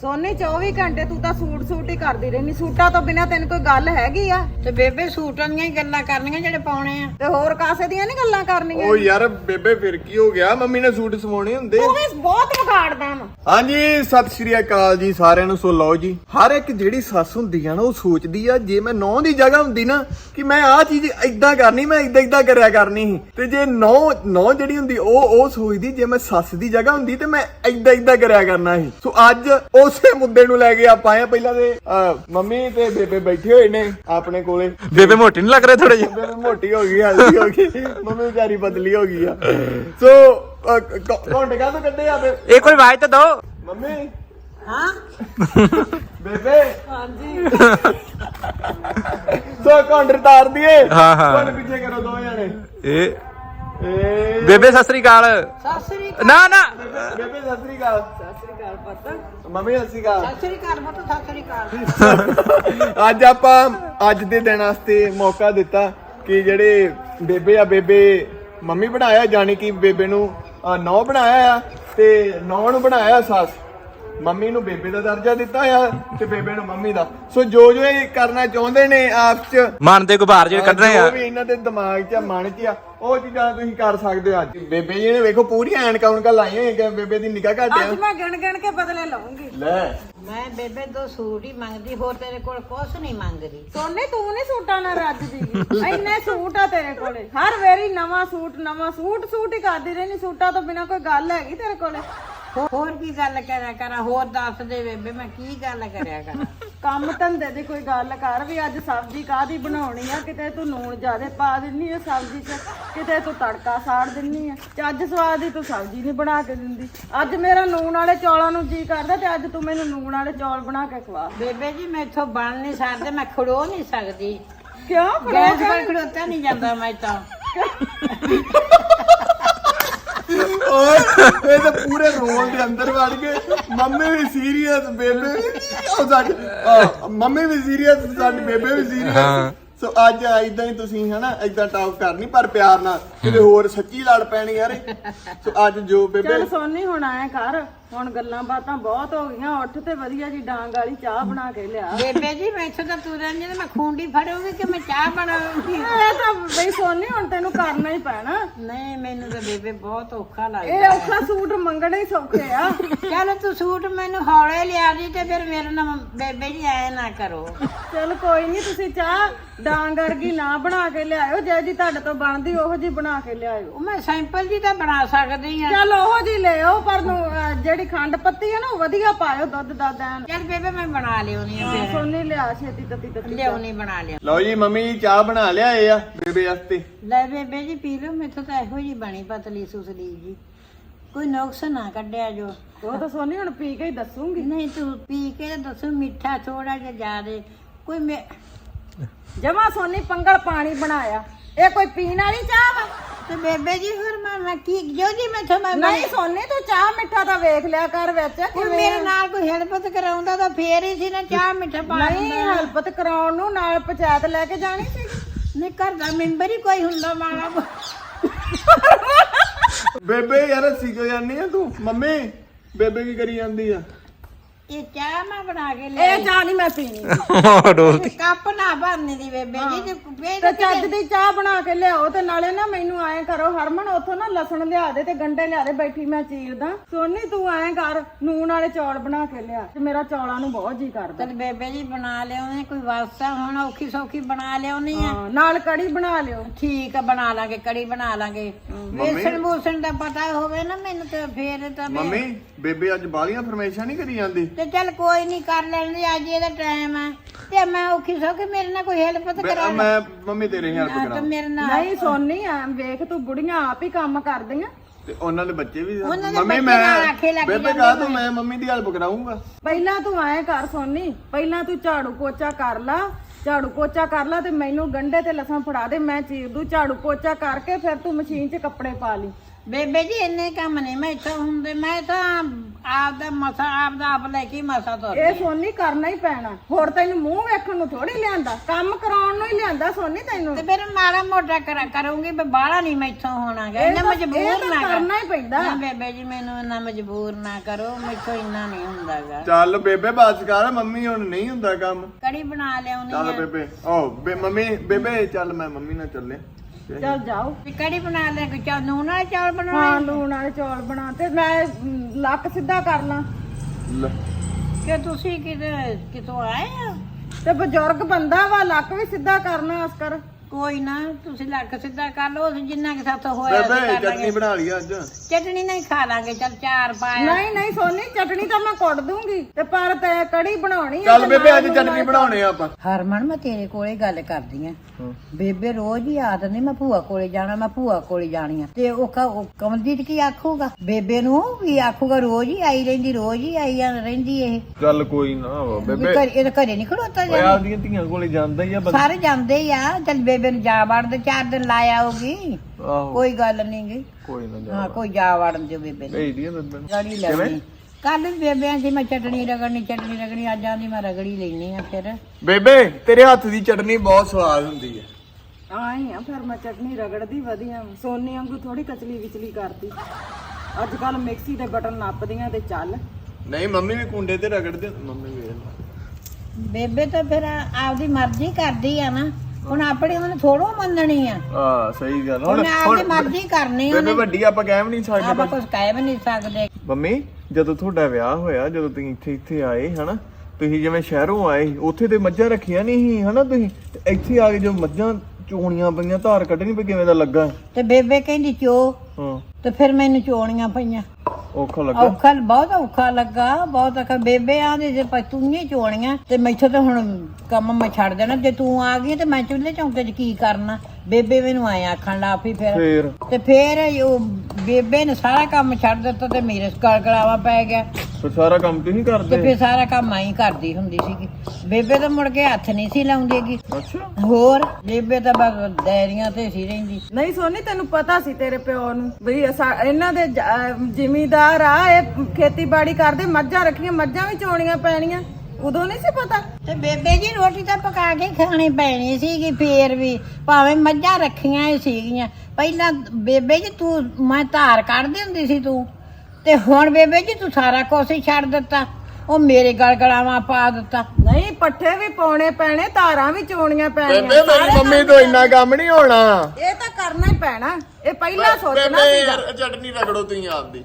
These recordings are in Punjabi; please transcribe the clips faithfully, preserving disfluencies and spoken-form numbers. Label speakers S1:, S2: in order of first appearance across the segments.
S1: ਸੋਨੀ ਚੌਵੀ ਘੰਟੇ ਤੂੰ ਤਾਂ ਸੂਟ ਸੂਟ ਹੀ ਕਰਦੀ ਰਹਿਨੀ। ਸੂਟਾਂ ਤੋਂ ਬਿਨਾ ਤੈਨੂੰ ਕੋਈ ਗੱਲ ਹੈਗੀ ਆ?
S2: ਤੇ ਬੇਬੇ ਸੂਟਾਂ ਦੀਆਂ ਹੀ ਗੱਲਾਂ ਕਰਨੀਆਂ ਜਿਹੜੇ ਪਾਉਣੇ ਆ,
S1: ਤੇ ਹੋਰ ਕਾਸੇ ਦੀਆਂ ਨਹੀਂ ਗੱਲਾਂ ਕਰਨੀਆਂ।
S3: ਓ ਯਾਰ ਬੇਬੇ ਫਿਰ ਕੀ ਹੋ ਗਿਆ, ਮੰਮੀ ਨੇ ਸੂਟ ਸਵਾਉਣੇ ਹੁੰਦੇ।
S1: ਤੂੰ ਵੀ ਬਹੁਤ ਵਿਗਾੜਦਾ ਵਾ।
S3: ਹਾਂਜੀ ਸਤਿ ਸ਼੍ਰੀ ਅਕਾਲ ਜੀ ਸਾਰਿਆਂ ਨੂੰ। ਸੋ ਲਓ ਜੀ, ਹਰ ਇੱਕ ਜਿਹੜੀ ਸੱਸ ਹੁੰਦੀ ਆ ਨਾ ਉਹ ਸੋਚਦੀ ਆ ਜੇ ਮੈਂ ਨੌ ਦੀ ਜਗ੍ਹਾ ਹੁੰਦੀ ਨਾ ਕਿ ਮੈਂ ਆਹ ਚੀਜ਼ ਏਦਾਂ ਕਰਨੀ, ਮੈਂ ਏਦਾਂ ਏਦਾਂ ਕਰਿਆ ਕਰਨੀ ਸੀ। ਤੇ ਜੇ ਨੌ ਨੌ ਜਿਹੜੀ ਹੁੰਦੀ ਉਹ ਉਹ ਸੋਚਦੀ ਜੇ ਮੈਂ ਸੱਸ ਦੀ ਜਗ੍ਹਾ ਹੁੰਦੀ ਤੇ ਮੈਂ ਏਦਾਂ ਏਦਾਂ ਕਰਿਆ ਕਰਨਾ ਸੀ। ਸੋ ਅੱਜ ਉਸੇ ਮੁੱਦੇ ਨੂੰ ਲੈ ਕੇ ਆਪਾਂ ਆਏ। ਪਹਿਲਾਂ ਤੇ ਮੰਮੀ ਤੇ ਬੇਬੇ ਬੈਠੇ ਹੋਏ ਨੇ ਆਪਣੇ ਕੋਲੇ।
S4: ਬੇਬੇ ਮੋਟੀ ਨਹੀਂ ਲੱਗ ਰਹੀ ਥੋੜਾ ਜਿਹਾ?
S3: ਬੇਬੇ ਮੋਟੀ ਹੋ ਗਈ, ਹਲਦੀ ਹੋ ਗਈ, ਮੰਮੀ ਵਿਚਾਰੀ ਪਤਲੀ ਹੋ ਗਈ ਆ। ਸੋ ਘੰਟੇ ਕਾ ਤੋਂ ਕੱਢੇ ਆ
S4: ਇੱਕ ਵਾਰ ਆਵਾਜ਼ ਤਾਂ ਦੋ
S3: ਮੰਮੀ।
S2: ਹਾਂ
S3: ਬੇਬੇ
S1: ਹਾਂਜੀ
S3: ਸੋ ਘੰਟੇ ਤਾਰ ਦੀਏ।
S4: ਹਾਂ, ਹਾਂ।
S3: ਕੋਣ ਪਿੱਛੇ ਕਰੋ ਦੋ ਜਣੇ।
S4: ਇਹ
S3: ਏ
S4: ਬੇਬੇ ਸਤਿ ਸ੍ਰੀ ਅਕਾਲ।
S2: ਸਤਿ ਸ੍ਰੀ ਅਕਾਲ।
S4: ਨਾ ਨਾ
S3: ਬੇਬੇ ਸਤਿ ਸ੍ਰੀ ਅਕਾਲ।
S2: ਸਤਿ ਸ੍ਰੀ ਅਕਾਲ ਪੁੱਤ।
S3: ਮੰਮੀ ਸਤਿ ਸ੍ਰੀ ਅਕਾਲ।
S2: ਸਤਿ ਸ੍ਰੀ ਅਕਾਲ ਪੁੱਤ। ਸਤਿ ਸ੍ਰੀ ਅਕਾਲ।
S3: ਅੱਜ ਆਪਾਂ ਅੱਜ ਦੇ ਦਿਨ ਵਾਸਤੇ ਮੌਕਾ ਦਿੱਤਾ ਕਿ ਜਿਹੜੇ ਬੇਬੇ ਆ, ਬੇਬੇ ਮੰਮੀ ਬਣਾਇਆ, ਜਾਣੀ ਕਿ ਬੇਬੇ ਨੂੰ ਨੌ ਬਣਾਇਆ ਆ ਤੇ ਨੌ ਨੂੰ ਬਣਾਇਆ ਸੱਸ। ਮੰਮੀ ਨੂੰ ਬੇਬੇ ਦਾ ਦਰਜਾ ਦਿੱਤਾ ਆ ਤੇ ਬੇਬੇ ਨੂੰ ਮੰਮੀ ਦਾ। ਸੋ ਜੋ ਜੋ ਇਹ ਕਰਨਾ ਚਾਹੁੰਦੇ ਨੇ ਆਪਸ ਚ,
S4: ਮਨ ਦੇ ਗੁਬਾਰ ਜਿਹੜੇ ਕੱਢਣੇ ਆ,
S3: ਜੋ ਵੀ ਇਹਨਾਂ ਦੇ ਦਿਮਾਗ 'ਚ ਆ, ਮਨ 'ਚ ਆ, ਉਹ ਚੀਜ਼ਾਂ ਤੁਸੀਂ ਕਰ ਸਕਦੇ ਹੋ। ਅੱਜ ਬੇਬੇ ਜੀ ਨੇ ਵੇਖੋ ਪੂਰੀਆਂ ਐਨਕਾਂ ਉਨਕਾਂ ਲਾਈਆਂ ਹੋਈਆਂ ਕਿ ਬੇਬੇ ਦੀ ਨਿਗਾਹ ਘੱਟ
S1: ਅੱਜ
S3: ਆ।
S1: ਮੈਂ ਗਿਣ ਗਿਣ ਕੇ ਬਦਲੇ ਲਵਾਂਗੀ।
S3: ਲੈ
S2: ਮੈਂ ਬੇਬੇ ਦੋ ਸੂਟ ਹੀ ਮੰਗਦੀ, ਹੋਰ ਤੇਰੇ ਕੋਲ ਕੁਛ ਨਹੀਂ ਮੰਗਦੀ।
S1: ਸੋਨੀ ਤੂੰ ਨਹੀਂ ਸੂਟਾਂ ਨਾਲ ਰੱਜਦੀ। ਇੰਨੇ ਸੂਟ ਆ ਤੇਰੇ ਕੋਲੇ, ਹਰ ਵੇਰੀ ਨਵਾਂ ਸੂਟ ਨਵਾਂ ਸੂਟ ਸੂਟ ਹੀ ਕਰਦੀ ਰਹਿਨੀ। ਸੂਟਾਂ ਤੋਂ ਬਿਨਾ ਕੋਈ ਗੱਲ ਹੈਗੀ ਤੇਰੇ ਕੋਲੇ?
S2: ਹੋਰ ਕੀ ਗੱਲ ਕਰਿਆ ਕਰਾਂ? ਹੋਰ ਦੱਸ ਦੇ ਬੇਬੇ, ਮੈਂ ਕੀ ਗੱਲ ਕਰਿਆ ਕਰਾਂ?
S1: ਕੰਮ ਧੰਦੇ ਦੀ ਕੋਈ ਗੱਲ ਕਰ ਵੀ ਅੱਜ ਸਬਜ਼ੀ ਕਾਹਦੀ ਬਣਾਉਣੀ ਆ। ਕਿਤੇ ਤੂੰ ਨੂਣ ਜ਼ਿਆਦੇ ਪਾ ਦਿੰਨੀ ਆ ਸਬਜ਼ੀ 'ਚ, ਕਿਤੇ ਤੂੰ ਤੜਕਾ ਸਾੜ ਦਿੰਨੀ ਆ। ਚੱਜ ਸਵਾਦ ਦੀ ਤੂੰ ਸਬਜ਼ੀ ਨਹੀਂ ਬਣਾ ਕੇ ਦਿੰਦੀ। ਅੱਜ ਮੇਰਾ ਨੂਣ ਵਾਲੇ ਚੌਲਾਂ ਨੂੰ ਜੀ ਕਰਦਾ ਤੇ ਅੱਜ ਤੂੰ ਮੈਨੂੰ ਨੂਣ ਵਾਲੇ ਚੌਲ ਬਣਾ ਕੇ ਖਵਾ।
S2: ਬੇਬੇ ਜੀ ਮੈਥੋਂ ਬਣ ਨਹੀਂ ਸਕਦੇ, ਮੈਂ ਖੜੋ ਨਹੀਂ ਸਕਦੀ।
S1: ਕਿਉਂ?
S2: ਗੈਸ ਪਰ ਖੜੋਤਾ ਨਹੀਂ ਜਾਂਦਾ ਮੈਂ ਤਾਂ।
S3: ਓਏ ਇਹ ਤਾਂ ਪੂਰੇ ਰੋਲ ਦੇ ਅੰਦਰ ਵੜ ਗਏ। ਮੰਮੀ ਵੀ ਸੀਰੀਅਸ, ਬੇਬੇ ਉਹ ਸਾਡੀ ਆਹ, ਮੰਮੀ ਵੀ ਸੀਰੀਅਸ, ਸਾਡੀ ਬੇਬੇ ਵੀ ਸੀਰੀਅਸ। ਸੋ ਅੱਜ ਇਦਾਂ ਹੀ ਤੁਸੀਂ ਹਨਾ ਇਦਾਂ ਟਾਕ ਕਰਨੀ ਪਰ ਪਿਆਰ ਨਾਲ, ਕਿਤੇ ਹੋਰ ਸੱਚੀ ਲੜ ਪੈਣੀ ਯਾਰ। ਸੋ ਅੱਜ ਜੋ ਬੇਬੇ
S1: ਚੱਲ ਸੋਨੀ ਹੁਣ ਆਇਆ ਕਰ, ਹੁਣ ਗੱਲਾਂ ਬਾਤਾਂ ਬਹੁਤ ਹੋ ਗਈਆਂ। ਉੱਠ ਤੇ ਵਧੀਆ ਜੀ ਡਾਂਗ ਵਾਲੀ ਚਾਹ ਬਣਾ ਕੇ ਲਿਆ।
S2: ਬੇਬੇ ਜੀ ਮੈਥੋਂ ਤਾਂ ਤੁਰਨ ਨਹੀਂ, ਮੈਂ ਖੂੰਡੀ ਫੜੂਗੀ ਕਿ ਮੈਂ ਚਾਹ ਬਣਾਉਂਗੀ?
S1: ਇਹ ਤਾਂ ਬਈ ਸੋਨੀ ਹੁਣ ਤੈਨੂੰ ਕਰਨਾ ਹੀ ਪੈਣਾ।
S2: ਨਹੀਂ ਮੈਨੂੰ ਤਾਂ ਬੇਬੇ ਬਹੁਤ ਔਖਾ
S1: ਇਹ
S2: ਲੱਗਦਾ।
S1: ਔਖਾ ਸੂਟ ਮੰਗਣੇ ਹੀ ਸੌਖੇ ਆ।
S2: ਚੱਲ ਤੂੰ ਸੂਟ ਮੈਨੂੰ ਹੌਲੇ ਲਿਆ ਦੀ ਤੇ ਫਿਰ ਮੇਰੇ ਨਾਲ ਬੇਬੇ ਜੀ ਐ ਨਾ ਕਰੋ।
S1: ਚਲ ਕੋਈ ਨਹੀਂ, ਤੁਸੀਂ ਚਾਹ ਡਾਂਗ ਵਰਗੀ ਨਾ ਬਣਾ ਕੇ ਲਿਆਇਓ, ਜੇ ਜੀ ਤੁਹਾਡੇ ਤੋਂ ਬਣਦੀ ਉਹੋ ਜੀ ਬਣਾ ਕੇ ਲਿਆਇਓ।
S2: ਉਹ ਮੈਂ ਸਿੰਪਲ ਜੀ ਤਾਂ ਬਣਾ ਸਕਦੀ ਆ।
S1: ਚੱਲ ਉਹੋ ਜੀ ਲਿਆਓ, ਪਰ ਨੂੰ ਅਹ, ਜਿਹੜੀ ਖੰਡ ਪੱਤੀ ਆ ਨਾ ਉਹ ਵਧੀਆ ਪਾਇਓ, ਦੁੱਧ ਦਾ ਦੇਣ।
S2: ਚੱਲ ਬੇਬੇ ਮੈਂ ਬਣਾ ਲਿਆਉਣੀ ਆ ਫਿਰ।
S1: ਸੋਨੀ ਲਿਆ ਛੇਤੀ ਤੱਤੀ ਤੱਤੀ।
S2: ਲਿਆਉਣੀ ਬਣਾ ਲਿਆ।
S3: ਲਓ ਜੀ ਮੰਮੀ ਜੀ ਚਾਹ ਬਣਾ ਲਿਆਏ ਆ ਬੇਬੇ ਵਾਸਤੇ।
S2: ਲੈ ਬੇਬੇ ਜੀ ਪੀ ਲਓ, ਮੈਥੋਂ ਤਾਂ ਇਹੋ ਜੀ ਬਣੀ ਪਤਲੀ ਸੁਸਲੀ ਜੀ, ਕੋਈ ਨੁਕਸ ਨਾ ਕੱਢਿਆ ਜੋ।
S1: ਉਹ ਤਾਂ ਸੋਨੀ ਹੁਣ ਪੀ ਕੇ ਹੀ ਦੱਸੂਗੀ।
S2: ਨਹੀਂ ਤੂੰ ਪੀ ਕੇ ਦੱਸੋ, ਮਿੱਠਾ ਥੋੜਾ ਜਿਹਾ ਜ਼ਿਆਦੇ ਕੋਈ ਮੈਂ
S1: ਜਮਾ ਸੋਨੀ ਪੰਗਲ ਪਾਣੀ ਬਣਾਇਆ। ਇਹ ਕੋਈ ਪੀਣ ਵਾਲੀ ਚਾਹ ਵਾ?
S2: ਤੇ ਬੇਬੇ ਜੀ ਫਿਰ ਮੈਂ ਮੈਂ ਕੀ ਜੋ ਜੀ ਮੈਥੋਂ ਮੈਂ
S1: ਨਹੀਂ ਸੋਨੀ ਤੂੰ ਚਾਹ ਮਿੱਠਾ ਤਾਂ ਵੇਖ ਲਿਆ ਕਰ ਵਿੱਚ।
S2: ਹੁਣ ਮੇਰੇ ਨਾਲ ਕੋਈ ਹੈਲਪਤ ਕਰਾਉਂਦਾ ਤਾਂ ਫੇਰ ਹੀ ਸੀ ਨਾ ਚਾਹ ਮਿੱਠਾ ਪਾ
S1: ਨਹੀਂ
S2: ਦਿੰਦਾ।
S1: ਹਲਪਤ ਕਰਾਉਣ ਨੂੰ ਨਾਲ ਪੰਚਾਇਤ ਲੈ ਕੇ ਜਾਣੀ ਸੀ।
S2: ਨਹੀਂ ਘਰ ਦਾ ਮੈਂਬਰ ਹੀ ਕੋਈ ਹੁੰਦਾ ਮਾੜਾ।
S3: ਬੇਬੇ ਯਾਰ ਸਿੱਖ ਜਾਂਦੀ ਆ ਤੂੰ। ਮੰਮੀ ਬੇਬੇ ਕੀ ਕਰੀ ਜਾਂਦੀ ਆ?
S2: ਇਹ ਚਾਹ ਮੈਂ ਬਣਾ ਕੇ ਲੈ
S1: ਇਹ ਚਾਹ ਨਹੀਂ ਮੈਂ ਪੀਣੀ।
S4: ਡੋਲਦੀ
S2: ਕੱਪ ਨਾ ਭਰਨੀ ਦੀ ਬੇਬੇ ਜੀ ਤੇ ਫੇਰ
S1: ਤੇ ਚੱਜ ਦੀ ਚਾਹ ਬਣਾ ਕੇ ਲਿਆਓ। ਤੇ ਨਾਲੇ ਨਾ ਮੈਨੂੰ ਐਂ ਕਰੋ ਹਰਮਨ, ਉੱਥੋਂ ਨਾ ਲਸਣ ਲਿਆ ਦੇ ਤੇ ਗੰਡੇ ਲਿਆ ਦੇ, ਬੈਠੀ ਮੈਂ ਚੀਰਦਾ। ਸੋਨੀ ਤੂੰ ਐਂ ਕਰ, ਨੂਣ ਵਾਲੇ ਚੌਲ ਬਣਾ ਕੇ ਲਿਆ ਤੇ ਮੇਰਾ ਚੌਲਾਂ ਨੂੰ ਬਹੁਤ ਜੀ ਕਰਦਾ।
S2: ਚਲ ਬੇਬੇ ਜੀ ਬਣਾ ਲਿਆਉਣੇ, ਕੋਈ ਵਾਸਤਾ ਹੁਣ ਔਖੀ ਸੌਖੀ ਬਣਾ ਲਿਆਉਣੀ ਆ।
S1: ਹਾਂ, ਨਾਲ ਕੜੀ ਬਣਾ ਲਿਓ।
S2: ਠੀਕ ਆ ਬਣਾ ਲਾਂਗੇ, ਕੜੀ ਬਣਾ ਲਾਂਗੇ। ਵੇਸਣ ਬੂਸਣ ਦਾ ਪਤਾ ਹੋਵੇ ਨਾ ਮੈਨੂੰ ਤੇ ਫੇਰ ਤਾਂ ਮੈਂ-
S3: ਮੰਮੀ ਬੇਬੇ ਅੱਜ ਬਾਲੀਆਂ ਫਰਮਾਇਸ਼ਾਂ ਨਹੀਂ ਕਰੀ ਜਾਂਦੀ।
S2: ਤੇ ਚੱਲ ਕੋਈ ਨਹੀਂ ਕਰ ਲੈਂਦੇ, ਅੱਜ ਇਹਦਾ ਟਾਈਮ ਆ ਤੇ ਮੈਂ ਔਖੀ ਸੌਖੀ ਮੇਰੇ ਨਾਲ ਕੋਈ ਹੈਲਪ ਤਾਂ
S3: ਬੇ-
S2: ਕਰਾ
S3: ਮੈਂ ਮੰਮੀ ਤੇਰੇ ਹੈਲਪ
S2: ਤਾਂ
S3: ਕਰਾਂ
S2: ਮੇਰੇ ਨਾਲ
S1: ਨਹੀਂ ਸੋਨੀ ਆ ਵੇਖ, ਤੂੰ ਬੁੜੀਆਂ ਆਪ ਹੀ ਕੰਮ ਕਰਦੀਆਂ।
S3: ਤੇ ਉਹਨਾਂ ਦੇ ਬੱਚੇ ਵੀ।
S2: ਉਹਨਾਂ ਦੇ
S3: ਮੰਮੀ
S2: ਬੱਚੇ
S3: ਮੈਂ
S2: ਨਾਲ ਆਖੇ ਲੱਗ
S3: ਬੇਬੇ
S2: ਜਾਂਦੇ
S3: ਕਹਾ ਤੂੰ ਮੈਂ ਮੰਮੀ ਦੀ ਹੈਲਪ ਕਰਾਉਂਗਾ।
S1: ਪਹਿਲਾਂ ਤੂੰ ਐਂ ਕਰ ਸੋਨੀ, ਪਹਿਲਾਂ ਤੂੰ ਝਾੜੂ ਪੋਚਾ ਕਰ ਲਾ। ਝਾੜੂ ਪੋਚਾ ਕਰ ਲਾ ਤੇ ਮੈਨੂੰ ਗੰਢੇ ਤੇ ਲਸਣ ਫੜਾ ਦੇ, ਮੈਂ ਚੀਰ ਦੂ। ਝਾੜੂ ਪੋਚਾ ਕਰਕੇ ਫਿਰ ਤੂੰ ਮਸ਼ੀਨ 'ਚ ਕੱਪੜੇ ਪਾ ਲਈ।
S2: ਬੇਬੇ ਜੀ ਇੰਨੇ ਕੰਮ ਨਹੀਂ ਮੈਂ ਇੱਥੋਂ ਹੁੰਦੇ ਮੈਂ ਤਾਂ ਆਪਦਾ ਮਸਾ ਆਪਦਾ ਆਪ ਲੈ ਕੇ ਮਸਾ ਤੁਰ
S1: ਇਹ ਸੋਨੀ ਕਰਨਾ ਹੀ ਪੈਣਾ, ਹੋਰ ਤੈਨੂੰ ਮੂੰਹ ਵੇਖਣ ਨੂੰ ਥੋੜੀ ਲਿਆਂਦਾ, ਕੰਮ ਕਰਾਉਣ ਨੂੰ ਹੀ ਲਿਆਂਦਾ ਸੋਨੀ ਤੈਨੂੰ।
S2: ਤੇ ਫਿਰ ਮਾੜਾ ਮੋਟਾ ਕਰਾ ਕਰੂੰਗੀ ਪਰ ਬਾਹਲਾ ਨਹੀਂ ਮੈਂ ਇੱਥੋਂ ਹੋਣਾਗਾ, ਇੰਨਾ ਮਜਬੂਰ ਨਾ
S1: ਕਰਨਾ ਹੀ ਪੈਂਦਾ।
S2: ਨਾ ਬੇਬੇ ਜੀ ਮੈਨੂੰ ਇੰਨਾ ਮਜਬੂਰ ਨਾ ਕਰੋ, ਮੈਥੋਂ ਇੰਨਾ ਨਹੀਂ ਹੁੰਦਾਗਾ।
S3: ਚੱਲ ਬੇਬੇ ਬਸ ਕਰ, ਮੰਮੀ ਹੁਣ ਨਹੀਂ ਹੁੰਦਾ ਕੰਮ।
S2: ਕੜੀ ਬਣਾ ਲਿਆਉਣੀ
S3: ਚੱਲ
S2: ਆ
S3: ਬੇਬੇ ਓ ਬੇ ਮੰਮੀ ਬੇਬੇ ਚੱਲ ਮੈਂ ਮੰਮੀ ਨਾਲ ਚੱਲੇ।
S1: ਚੱਲ ਜਾਓ।
S2: ਤੇ ਕੜੀ ਬਣਾ ਲੈ ਕੋਈ ਚਾ ਨੂਨ ਵਾਲੇ ਚੌਲ ਬਣਾਉਣੇ।
S1: ਹਾਂ ਲੂਣ ਵਾਲੇ ਚੌਲ ਬਣਾ ਤੇ ਮੈਂ ਮ, ਲੱਕ ਸਿੱਧਾ ਕਰ ਲਾਂ।
S3: ਲੈ
S2: ਕਿ ਤੁਸੀਂ ਕਿਤੇ ਕਿਤੋਂ ਆਏ ਆ?
S1: ਤੇ ਬਜ਼ੁਰਗ ਬੰਦਾ ਵਾ, ਲੱਕ ਵੀ ਸਿੱਧਾ ਕਰਨਾ ਅਸ ਕਰ।
S2: ਕੋਈ ਨਾ ਤੁਸੀਂ ਲੱਕ ਸਿੱਧਾ ਕਰ ਲਓ, ਜਿੰਨਾ ਕਿ ਸਾਥੋਂ ਹੋਇਆ ਅਸੀਂ
S3: ਬੇਬੇ
S2: ਕਰ
S3: ਚਟਨੀ
S2: ਲਾਂਗੇ।
S3: ਬਣਾ ਲਈ ਅੱਜ।
S2: ਚਟਨੀ ਨਹੀਂ ਖਾ ਲਾਂਗੇ, ਚੱਲ ਚਾਰ ਪਾਇਆ।
S1: ਨਹੀਂ ਨਹੀਂ ਸੋਨੀ ਚਟਣੀ ਤਾਂ ਮੈਂ ਕੁੱਟ ਦੂੰਗੀ ਤੇ ਪਰ ਤੇ ਕੜੀ ਬਣਾਉਣੀ ਆ
S3: ਚੱਲ
S1: ਤੇ
S3: ਬੇਬੇ ਅੱਜ
S1: ਨਾਲ
S3: ਚਟਨੀ
S1: ਲੂਣ
S3: ਬਣਾਉਣੇ ਆ ਆਪਾਂ।
S2: ਹਰਮਨ ਮੈਂ ਤੇਰੇ ਕੋਲੇ ਗੱਲ ਕਰਦੀ ਆ। ਬੇਬੇ ਰੋਜ਼ ਹੀ ਆਦ ਨਹੀਂ ਮੈਂ ਭੂਆ ਕੋਲੇ ਜਾਣਾ, ਮੈਂ ਭੂਆ ਕੋਲੇ ਜਾਣੀ ਆ। ਤੇ ਉਹ ਕ- ਉਹ ਕਮਲਜੀਤ ਕੀ ਆਖੂਗਾ ਬੇਬੇ ਨੂੰ, ਵੀ ਆਖੂਗਾ ਰੋਜ਼ ਹੀ ਆਈ ਰਹਿੰਦੀ, ਰੋਜ਼ ਹੀ ਆਈ ਆ ਰਹਿੰਦੀ ਇਹ।
S3: ਚੱਲ ਕੋਈ ਨਾ
S2: ਵੀ
S3: ਬੇਬੇ,
S2: ਘਰੇ ਇਹ ਘਰੇ ਨਹੀਂ ਖੜੋਤਾ
S3: ਓਏ
S2: ਜਾਂਦਾ।
S3: ਆਪਦੀਆਂ ਧੀਆਂ ਕੋਲੇ ਜਾਂਦਾ ਹੀ ਆ ਬੰਦਾ।
S2: ਸਾਰੇ ਜਾਂਦੇ ਹੀ ਆ, ਚੱਲ ਬੇਬੇ ਨੂੰ ਜਾ ਵੜਦੇ, ਚਾਰ ਦਿਨ ਲਾ ਆਉਗੀ,
S3: ਆਹੋ
S2: ਕੋਈ ਗੱਲ ਨਹੀਂ ਗੀ।
S3: ਕੋਈ ਨਾ ਜਾ
S2: ਹਾਂ ਕੋਈ ਜਾ ਵੜਨ ਦਿਓ ਬੇਬੇ ਨੂੰ,
S3: ਭੇਜ ਦੀ ਬੇਬੇ ਨੂੰ।
S2: ਰਗੜੀ ਲੈਣੀ। ਕੱਲ ਵੀ ਬੇਬਿਆਂ ਦੀ ਮੈਂ ਚਟਣੀ ਰਗੜਨੀ ਚਟਣੀ ਰਗੜਨੀ, ਅੱਜ ਆਂਦੀ ਮੈਂ ਰਗੜੀ ਲੈਣੀ ਆ। ਫਿਰ
S3: ਬੇਬੇ ਤੇਰੇ ਹੱਥ ਦੀ ਚਟਨੀ ਬਹੁਤ ਸਵਾਦ ਹੁੰਦੀ ਹੈ।
S1: ਆਈ ਆ ਫਿਰ ਮੈਂ ਚਟਨੀ ਰਗੜਦੀ ਵਧੀਆ, ਸੋਨੀ ਵਾਂਗੂ ਥੋੜੀ ਕਚਲੀ ਵਿਚਲੀ ਕਰਦੀ। ਅੱਜ ਕੱਲ ਮਿਕਸੀ ਦੇ ਬਟਨ ਨੱਪਦੀਆਂ ਤੇ ਚੱਲ।
S3: ਨਹੀਂ ਮੰਮੀ ਵੀ ਕੁੰਡੇ ਤੇ ਰਗੜਦੇ, ਮੰਮੀ ਵੇਖ।
S2: ਬੇਬੇ ਤਾਂ ਫਿਰ ਆਪਦੀ ਮਰਜ਼ੀ ਕਰਦੀ ਆ ਨਾ, ਹੁਣ ਆਪਣੀ ਉਹਨੇ ਥੋੜੋ ਮੰਨਣੀ ਆ,
S3: ਹਾਂ ਸਹੀ ਗੱਲ।
S2: ਉਹਨੇ ਆਪਦੀ ਮਰਜ਼ੀ ਕਰਨੀ
S3: ਬੇਬੇ
S2: ਉਹਨੇ,
S3: ਵੱਡੀ ਆਪਾਂ ਕਹਿ ਵੀ ਨਹੀਂ ਸਕਦੇ।
S2: ਆਪਾਂ ਕੁਝ ਕਹਿ ਵੀ ਨਹੀਂ ਸਕਦੇ।
S3: ਮੰਮੀ ਜਦੋਂ ਤੁਹਾਡਾ ਵਿਆਹ ਹੋਇਆ, ਜਦੋਂ ਤੁਸੀਂ ਇੱਥੇ ਇੱਥੇ ਆਏ ਹਨਾ, ਤੁਸੀਂ ਜਿਵੇਂ ਸ਼ਹਿਰੋਂ ਆਏ, ਉੱਥੇ ਤੇ ਮੱਝਾਂ ਰੱਖੀਆਂ ਨਹੀਂ ਸੀ ਹਨਾ ਤੁਸੀਂ, ਤੇ ਇੱਥੇ ਆ ਕੇ ਜੋ ਮੱਝਾਂ ਚੋਣੀਆਂ ਪਈਆਂ, ਧਾਰ ਕੱਢਣੀ ਪਈ, ਕਿਵੇਂ ਦਾ ਲੱਗਾ?
S2: ਤੇ ਬੇਬੇ ਕਹਿੰਦੀ ਚੋ,
S3: ਹਾਂ
S2: ਤੇ ਫਿਰ ਮੈਨੂੰ ਚੋਣੀਆਂ ਪਈਆਂ।
S3: ਔਖਾ ਲੱਗਾ।
S2: ਔਖਾ ਬਹੁਤ ਔਖਾ ਲੱਗਾ, ਬਹੁਤ ਔਖਾ। ਬੇਬੇ ਆਂਦੀ ਜੇ ਪਰ ਤੂੰ ਨਹੀਂ ਚੋਣੀਆਂ ਤੇ ਮੈਥੋਂ ਤਾਂ ਹੁਣ ਕੰਮ ਮੈਂ ਛੱਡ ਦੇਣਾ, ਜੇ ਤੂੰ ਆ ਗਈ ਤੇ ਮੈਂ ਚੁੱਲ੍ਹੇ ਚੌਂਕੇ 'ਚ ਕੀ ਕਰਨਾ। ਬੇਬੇ ਮੈਨੂੰ ਆਏ ਆਖਣ ਲਾ ਪਈ ਫਿਰ
S3: ਫੇਰ
S2: ਤੇ ਫੇਰ ਉਹ ਬੇਬੇ ਨੇ ਸਾਰਾ ਕੰਮ ਛੱਡ ਦਿੱਤਾ ਤੇ ਮੇਰੇ ਗਲਗਲਾਵਾ ਪੈ ਗਿਆ।
S3: ਫਿਰ ਸਾਰਾ ਕੰਮ ਤੁਸੀਂ
S2: ਤੇ
S3: ਕਰਦੇ?
S2: ਫੇਰ ਸਾਰਾ ਕੰਮ ਮੈਂ ਹੀ ਕਰਦੀ ਹੁੰਦੀ ਸੀਗੀ। ਬੇਬੇ ਤਾਂ ਮੁੜ ਕੇ ਹੱਥ ਨਹੀਂ ਸੀ ਲਾਉਂਦੀਗੀ।
S3: ਅੱਛਾ
S2: ਹੋਰ ਬੇਬੇ ਤਾਂ ਬਸ ਡੈਰੀਆਂ ਤੇ ਸੀ ਰਹਿੰਦੀ।
S1: ਨਹੀਂ ਸੋਨੀ ਤੈਨੂੰ ਪਤਾ ਸੀ ਤੇਰੇ ਪਿਓ ਨੂੰ ਵੀ ਅਸਾਂ- ਇਹਨਾਂ ਦੇ ਜ- ਅਹ ਜ਼ਿਮੀਂਦਾਰ ਆ, ਇਹ ਖੇਤੀਬਾੜੀ ਕਰਦੇ, ਮੱਝਾਂ ਰੱਖੀਆਂ, ਮੱਝਾਂ ਵੀ ਚੋਣੀਆਂ ਪੈਣੀਆਂ, ਉਦੋਂ ਨਹੀਂ ਸੀ ਪਤਾ।
S2: ਤੇ ਬੇਬੇ ਜੀ ਰੋਟੀ ਤਾਂ ਪਕਾ ਕੇ ਖਾਣੀ ਪੈਣੀ ਸੀਗੀ, ਫੇਰ ਵੀ ਭਾਵੇਂ ਮੱਝਾਂ ਰੱਖੀਆਂ ਹੀ ਸੀਗੀਆਂ। ਪਹਿਲਾਂ ਬੇਬੇ ਜੀ ਤੂੰ ਮੈਂ ਧਾਰ ਕੱਢਦੀ ਹੁੰਦੀ ਸੀ ਤੂੰ, ਤੇ ਹੁਣ ਬੇਬੇ ਜੀ ਤੂੰ ਸਾਰਾ ਕੁਛ ਹੀ ਛੱਡ ਦਿੱਤਾ, ਉਹ ਮੇਰੇ ਗਲਗਲਾਵਾਂ ਪਾ ਦਿੱਤਾ।
S1: ਨਹੀਂ ਪੱਠੇ ਵੀ ਪਾਉਣੇ ਪੈਣੇ, ਧਾਰਾਂ ਵੀ ਚੋਣੀਆਂ ਪੈਣੀਆਂ।
S3: ਬੇਬੇ ਮੇਰੀ ਮੰਮੀ ਤੋਂ ਇੰਨਾ ਕੰਮ ਨਹੀਂ ਹੋਣਾ।
S1: ਇਹ ਤਾਂ ਕਰਨਾ ਹੀ ਪੈਣਾ, ਇਹ ਪਹਿਲਾਂ ਸੋਚਣਾ
S3: ਬੇਬੇ
S1: ਸੀਗਾ।
S3: ਯਾਰ ਚਟਨੀ ਰਗੜੋ ਤੁਸੀਂ ਆਪਦੀ।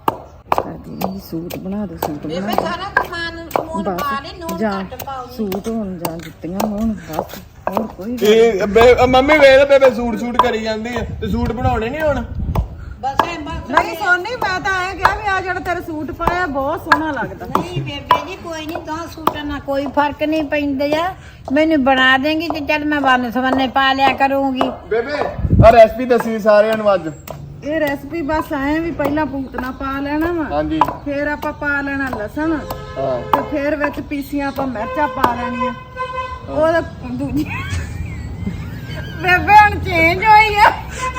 S1: ਸੂਟ ਬਣਾ ਦੋ, ਸੂਟ
S2: ਬੇਬੇ ਸਾਰਾ ਸਮਾਨ ਸਮੂਨ ਪਾ ਲਈ, ਨੂਨ ਘੱਟ ਪਾਓ।
S1: ਸੂਟ ਹੋਣ ਜਾਂ ਜੁੱਤੀਆਂ ਹੋਣ, ਬਸ ਹੋਰ ਕੋਈ
S3: ਇਹ ਬੇ- ਮੰਮੀ ਵੇਖ ਬੇਬੇ ਸੂਟ ਸੂਟ ਕਰੀ ਜਾਂਦੀ ਹੈ, ਤੇ ਸੂਟ ਬਣਾਉਣੇ ਨਹੀਂ ਹੁਣ।
S2: ਬਸ ਐ ਬਸ
S1: ਨਹੀਂ ਸੋਨੀ, ਮੈਂ ਤਾਂ ਐਂ ਕਿਹਾ ਵੀ ਆ ਜਿਹੜਾ ਤੇਰਾ ਸੂਟ ਪਾਇਆ ਬਹੁਤ ਸੋਹਣਾ ਲੱਗਦਾ।
S2: ਨਹੀਂ ਬੇਬੇ ਜੀ ਕੋਈ ਨਹੀਂ, ਦੋ ਸੂਟਾਂ ਨਾਲ ਕੋਈ ਫਰਕ ਨਹੀਂ ਪੈਂਦਾ ਆ। ਮੈਨੂੰ ਬਣਾ ਦੇਂਗੀ ਤੇ ਚੱਲ ਮੈਂ ਵੰਨ ਸਵੰਨੇ ਪਾ ਲਿਆ ਕਰੂੰਗੀ।
S3: ਬੇਬੇ ਆ ਰੈਸਪੀ ਦੱਸੀ ਸਾਰਿਆਂ ਨੂੰ ਅੱਜ।
S1: ਇਹ ਰੈਸਪੀ ਬਸ ਐਂ ਵੀ ਪਹਿਲਾਂ ਪੂਤਨਾ ਪਾ ਲੈਣਾ ਵਾ,
S3: ਹਾਂਜੀ
S1: ਫਿਰ ਆਪਾਂ ਪਾ ਲੈਣਾ ਲਸਣ,
S3: ਹਾਂ
S1: ਤੇ ਫਿਰ ਵਿੱਚ ਪੀਸੀਆਂ ਆਪਾਂ ਮਿਰਚਾਂ ਪਾ ਲੈਣੀਆਂ। ਉਹ ਦੂਜੀ ਬੇਬੇ ਹੁਣ ਚੇਂਜ ਹੋਈ ਆ।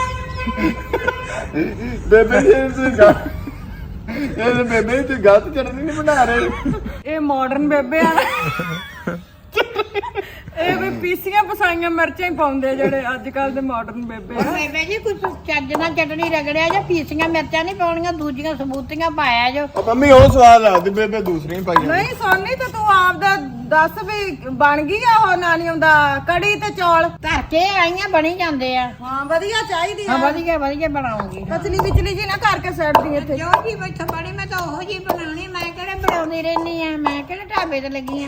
S3: ਬੇਬੇ ਜੀ ਤੁਸੀਂ ਗੱਲ ਇਹ ਤਾਂ ਬੇਬੇ ਜੀ ਤੁਸੀਂ ਗਲਤ ਚਟਨੀ ਨਹੀਂ ਬਣਾ ਰਹੇ।
S1: ਇਹ ਮਾਡਰਨ ਬੇਬੇ ਆ ਨਾ। ਇਹ ਵੀ ਪੀਸੀਆਂ ਪਸਾਈਆਂ ਮਿਰਚਾਂ ਹੀ ਪਾਉਂਦੇ ਜਿਹੜੇ ਅੱਜ ਕੱਲ ਦੇ ਮਾਡਰਨ ਬੇਬੇ ਆ।
S2: ਬੇਬੇ ਜੀ ਕੁਝ ਚੱਜ ਨਾਲ ਚਟਣੀ ਰਗੜਿਆ ਜਾਂ ਪੀਸੀਆਂ ਮਿਰਚਾਂ ਨਹੀਂ ਪਾਉਣੀਆਂ, ਦੂਜੀਆਂ ਸਬੂਤੀਆਂ ਪਾਇਆ ਜੋ।
S3: ਉਹ ਮੰਮੀ ਉਹ ਸਵਾਦ ਲੱਗਦੀ, ਬੇਬੇ ਦੂਸਰੀ ਹੀ ਪਾਈ।
S1: ਨਹੀਂ ਸੋਨੀ ਤੇ ਤੂੰ ਆਪਦਾ ਦੱਸ ਵੀ ਬਣ ਗਈ ਆ ਉਹ ਨਾਨੀਆਂ ਦਾ ਕੜੀ ਤੇ ਚੌਲ?
S2: ਧਰ ਕੇ ਆਈਆਂ ਬਣੀ ਜਾਂਦੇ ਆ।
S1: ਹਾਂ ਵਧੀਆ ਚਾਹੀਦੀ
S2: ਹਾਂ
S1: ਆ,
S2: ਵਧੀਆ ਵਧੀਆ ਬਣਾਉਂਗੀ।
S1: ਕਚਲੀ ਵਿਚਲੀ ਜੀ ਨਾ ਕਰਕੇ ਸੈੱਟਦੀ ਇੱਥੇ।
S2: ਜੋ ਜੀ ਬੈਠਾ ਬੜੀ, ਮੈਂ ਤਾਂ ਉਹੋ ਜੀ ਬਣਾਉਣੀ, ਮੈਂ ਕਿਹੜੇ ਬਣਾਉਂਦੀ ਰਹਿਨੀ ਆ, ਮੈਂ ਕਿਹੜੇ ਢਾਬੇ ਤੇ ਲੱਗੀ ਆ।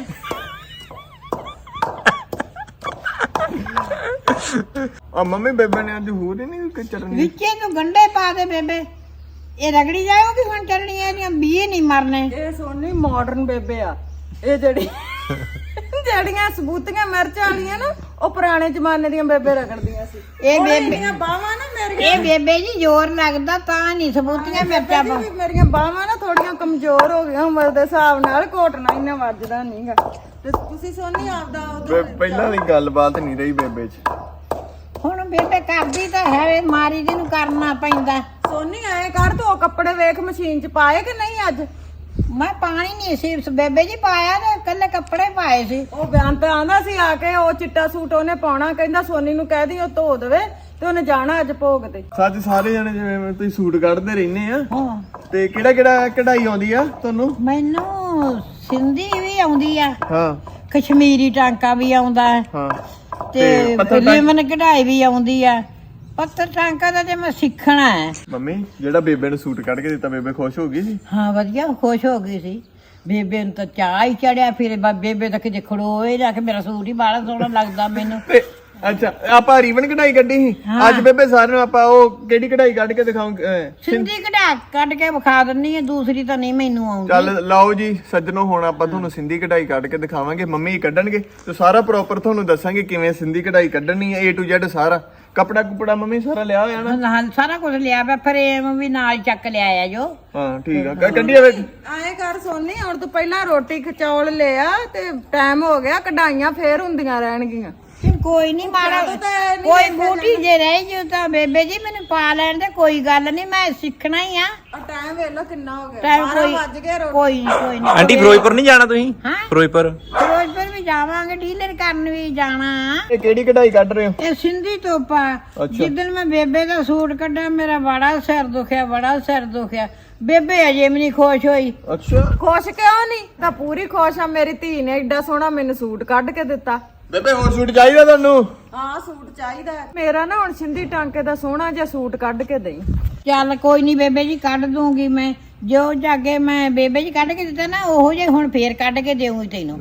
S3: ਆ ਮੰਮੀ ਬੇਬੇ ਨੇ ਅੱਜ ਹੋਰ ਹੀ ਨਹੀਂ ਕੋਈ ਚਟਨੀ।
S2: ਵਿੱਚੇ ਨੂੰ ਗੰਡੇ ਪਾ ਦੇ ਬੇਬੇ, ਇਹ ਰਗੜੀ ਜਾਊਗੀ ਹੁਣ ਚਟਣੀ, ਇਹਦੀਆਂ ਬੀਏ ਨਹੀਂ ਮਰਨੇ।
S1: ਇਹ ਸੋਨੀ ਮਾਡਰਨ ਬੇਬੇ ਆ, ਇਹ ਜਿਹੜੀ ਜਿਹੜੀਆਂ ਸਬੂਤੀਆਂ ਮਿਰਚਾਂ ਵਾਲੀਆਂ ਨਾ ਉਹ ਪੁਰਾਣੇ ਜ਼ਮਾਨੇ ਦੀਆਂ ਬੇਬੇ ਰਗੜਦੀਆਂ ਸੀ।
S2: ਇਹ
S1: ਉਹ
S2: ਬੇਬੇ
S1: ਇਹਦੀਆਂ ਬਾਹਾਂ ਨਾ ਮੇਰੀਆਂ,
S2: ਇਹ ਬੇਬੇ ਜੀ ਜ਼ੋਰ ਲੱਗਦਾ ਤਾਂ ਨਹੀਂ ਸਬੂਤੀਆਂ ਮਿਰਚਾਂ ਪਾ।
S1: ਵੀ ਮੇਰੀਆਂ ਬਾਹਾਂ ਨਾ ਥੋੜੀਆਂ ਕਮਜ਼ੋਰ ਹੋ ਗਈਆਂ ਉਮਰ ਦੇ ਹਿਸਾਬ ਨਾਲ, ਘੋਟਣਾ ਇੰਨਾ ਵੱਜਦਾ ਨਹੀਂਗਾ। ਤੇ ਤੁਸੀਂ ਸੋਨੀ ਆਪਦਾ ਉਦੋਂ
S3: ਬੇ- ਪਹਿਲਾਂ ਵਾਲੀ ਗੱਲਬਾਤ ਨਹੀਂ ਰਹੀ ਬੇਬੇ 'ਚ।
S2: ਹੁਣ ਬੇਬੇ ਕਰਦੀ ਤਾਂ ਹੈ, ਮਾਰੀ ਜੀ ਨੂੰ ਕਰਨਾ ਪੈਂਦਾ।
S1: ਸੋਨੀ ਐ ਕਰ ਤੂੰ ਉਹ ਕੱਪੜੇ ਵੇਖ ਮਸ਼ੀਨ 'ਚ ਪਾਏ ਕਿ ਨਹੀਂ ਅੱਜ?
S2: ਮੈਂ ਪਾਣੀ ਨਹੀਂ ਸੀ ਬੇਬੇ ਜੀ ਪਾਇਆ ਤੇ ਕੱਲੇ ਕੱਪੜੇ ਪਾਏ ਸੀ।
S1: ਉਹ ਬਿਆਨ ਤੇ ਆਂਦਾ ਸੀ ਆ ਕੇ ਉਹ ਚਿੱਟਾ ਸੂਟ ਉਹਨੇ ਪਾਉਣਾ, ਕਹਿੰਦਾ ਸੋਨੀ ਨੂੰ ਕਹਿ ਦੀ ਉਹ ਧੋ ਦੇਵੇ ਤੇ ਉਹਨੇ ਜਾਣਾ ਅੱਜ ਭੋਗ ਤੇ।
S3: ਸੱਚ ਸਾਰੇ ਜਣੇ ਜਿਵੇਂ ਤੁਸੀਂ ਸੂਟ ਕੱਢਦੇ ਰਹਿੰਦੇ ਆ
S2: ਹਾਂ
S3: ਤੇ ਕਿਹੜਾ ਕਿਹੜਾ ਕਢਾਈ ਆਉਂਦੀ ਆ ਤੁਹਾਨੂੰ?
S2: ਮੈਨੂੰ ਸਿੰਧੀ ਵੀ ਆਉਂਦੀ ਆ,
S3: ਹਾਂ
S2: ਕਸ਼ਮੀਰੀ ਟਾਂਕਾ ਵੀ ਆਉਂਦਾ ਹੈ
S3: ਹਾਂ
S2: ਤੇ
S3: ਪੱਥਰ ਟਾਂਕਾ-
S2: ਲਿਮਨ ਕਢਾਈ ਵੀ ਆਉਂਦੀ ਆ। ਪੱਥਰ ਟਾਂਕਾ ਦਾ ਤੇ ਮੈਂ ਸਿੱਖਣਾ ਹੈ।
S3: ਮੰਮੀ ਜਿਹੜਾ ਬੇਬੇ ਨੂੰ ਸੂਟ ਕੱਢ ਕੇ ਦਿੱਤਾ ਬੇਬੇ ਖੁਸ਼ ਹੋ ਗਈ ਸੀ?
S2: ਹਾਂ ਵਧੀਆ ਖੁਸ਼ ਹੋ ਗਈ ਸੀ। ਬੇਬੇ ਨੂੰ ਤਾਂ ਚਾਹ ਹੀ ਚੜਿਆ, ਫਿਰ ਬਾ- ਬੇਬੇ ਤਾਂ ਕਿਤੇ ਖੜੋਏ ਨਾ ਕਿ ਮੇਰਾ ਸੂਟ ਹੀ ਬਾਹਲਾ ਸੋਹਣਾ ਲੱਗਦਾ ਮੈਨੂੰ।
S3: ਤੇ ਅੱਛਾ ਆਪਾਂ ਰੀਬਨ ਕਢਾਈ ਕੱਢੀ ਸੀ
S2: ਹਾਂ।
S3: ਅੱਜ ਬੇਬੇ ਸਾਰਿਆਂ ਨੂੰ ਆਪਾਂ ਉਹ ਕਿਹੜੀ ਕਢਾਈ ਕੱਢ ਕੇ ਦਿਖਾਉਂਗੇ?
S2: ਸਿੰਧੀ ਕਢਾ ਕੱਢ ਕੇ ਵਿਖਾ ਦਿੰਨੀ ਆ, ਦੂਸਰੀ ਤਾਂ ਨਹੀਂ ਮੈਨੂੰ ਆਉਂਦੀ।
S3: ਚੱਲ ਲਾਓ ਜੀ ਸੱਜਣੋ, ਹੁਣ ਆਪਾਂ ਤੁਹਾਨੂੰ ਸਿੰਧੀ ਕਢਾਈ ਕੱਢ ਕੇ ਦਿਖਾਵਾਂਗੇ। ਮੰਮੀ ਕੱਢਣਗੇ ਤੇ ਸਾਰਾ ਪ੍ਰੋਪਰ ਤੁਹਾਨੂੰ ਦੱਸਾਂਗੇ ਕਿਵੇਂ ਸਿੰਧੀ ਕਢਾਈ ਕੱਢਣੀ ਹੈ, A to Z ਸਾਰਾ। ਕਪੜਾ ਕੁਪੜਾ ਮੰਮੀ ਸਾਰਾ ਲਿਆ ਹੋਇਆ ਨਾ?
S2: ਹਾਂ ਸਾਰਾ ਕੁਝ ਲਿਆ ਪਿਆ, ਫਰੇਮ ਵੀ ਨਾਲ ਚੱਕ ਲਿਆ ਜੋ।
S3: ਹਾਂ ਠੀਕ ਆ, ਕ- ਕੱਢੀਏ ਫਿਰ।
S1: ਐਂ ਕਰ ਸੋਨੀ ਹੁਣ ਤੂੰ ਪਹਿਲਾਂ ਰੋਟੀ ਖਚੌਲ ਲਿਆ ਤੇ ਟਾਈਮ ਹੋ ਗਿਆ, ਕਢਾਈਆਂ ਫੇਰ ਹੁੰਦੀਆਂ ਰਹਿਣਗੀਆਂ।
S2: ਫਿਰ ਕੋਈ ਨਹੀਂ ਮਾੜਾ
S1: ਤਾਂ ਤਾਂ ਨਹੀਂ
S2: ਕੋਈ ਬੂਟੀ ਜੇ ਰਹਿ ਜੂ ਤਾਂ ਬੇਬੇ ਜੀ ਮੈਨੂੰ ਪਾ ਲੈਣ ਦੇ, ਕੋਈ ਗੱਲ ਨਹੀਂ, ਮੈਂ ਸਿੱਖਣਾ ਹੀ ਆ।
S1: ਆ ਟਾਈਮ ਵੇਖ ਲੋ ਕਿੰਨਾ ਹੋ ਗਿਆ,
S2: ਟਾਈਮ
S1: ਬਾਰਾਂ
S2: ਕੋਈ
S1: ਵੱਜ ਗਏ। ਰੋਟੀ
S2: ਕੋਈ ਨਹੀਂ ਕੋਈ ਨਹੀਂ
S4: ਆਂਟੀ ਫਿਰੋਜ਼ਪੁਰ ਨਹੀਂ ਜਾਣਾ ਤੁਸੀਂ?
S2: ਹਾਂ
S4: ਫਿਰੋਜ਼ਪੁਰ
S2: ਫਿਰੋਜ਼ਪੁਰ ਵੀ ਜਾਵਾਂਗੇ, ਡੀਲਰ ਕਰਨ ਵੀ ਜਾਣਾ।
S3: ਇਹ ਕਿਹੜੀ ਕਢਾਈ ਕੱਢ ਰਹੇ ਹੋ?
S2: ਇਹ ਸਿੰਧੀ ਤੋਪਾ।
S3: ਅੱਛਾ।
S2: ਜਿੱਦਣ ਮੈਂ ਬੇਬੇ ਦਾ ਸੂਟ ਕੱਢਿਆ ਮੇਰਾ ਬੜਾ ਸਿਰ ਦੁਖਿਆ, ਬੜਾ ਸਿਰ ਦੁਖਿਆ। ਬੇਬੇ ਅਜੇ ਵੀ ਨਹੀਂ ਖੁਸ਼ ਹੋਈ।
S3: ਅੱਛਾ
S1: ਖੁਸ਼ ਕਿਉਂ ਨਹੀਂ? ਤਾਂ ਪੂਰੀ ਖੁਸ਼ ਆ, ਮੇਰੀ ਧੀ ਨੇ ਏਡਾ ਸੋਹਣਾ ਮੈਨੂੰ ਸੂਟ ਕੱਢ ਕੇ ਦਿੱਤਾ।
S3: ਬੇਬੇ ਹੋਰ ਸੂਟ ਚਾਹੀਦਾ ਤੁਹਾਨੂੰ?
S1: ਹਾਂ ਸੂਟ ਚਾਹੀਦਾ ਹੈ। ਮੇਰਾ ਨਾ ਹੁਣ ਸਿੰਧੀ ਟਾਂਕੇ ਦਾ ਸੋਹਣਾ ਜਿਹਾ ਸੂਟ ਕੱਢ ਕੇ ਦੇਈ।
S2: ਚੱਲ ਕੋਈ ਨਹੀਂ ਬੇਬੇ ਜੀ ਕੱਢ ਦੂੰਗੀ ਮੈਂ, ਜੋ ਜਾਗੇ ਮੈਂ ਬੇਬੇ ਜੀ ਕੱਢ ਕੇ ਦਿੱਤਾ ਨਾ ਉਹੋ ਜਿਹੇ ਹੁਣ ਫੇਰ ਕੱਢ ਕੇ ਦੇਵਾਂਗੀ ਤੈਨੂੰ।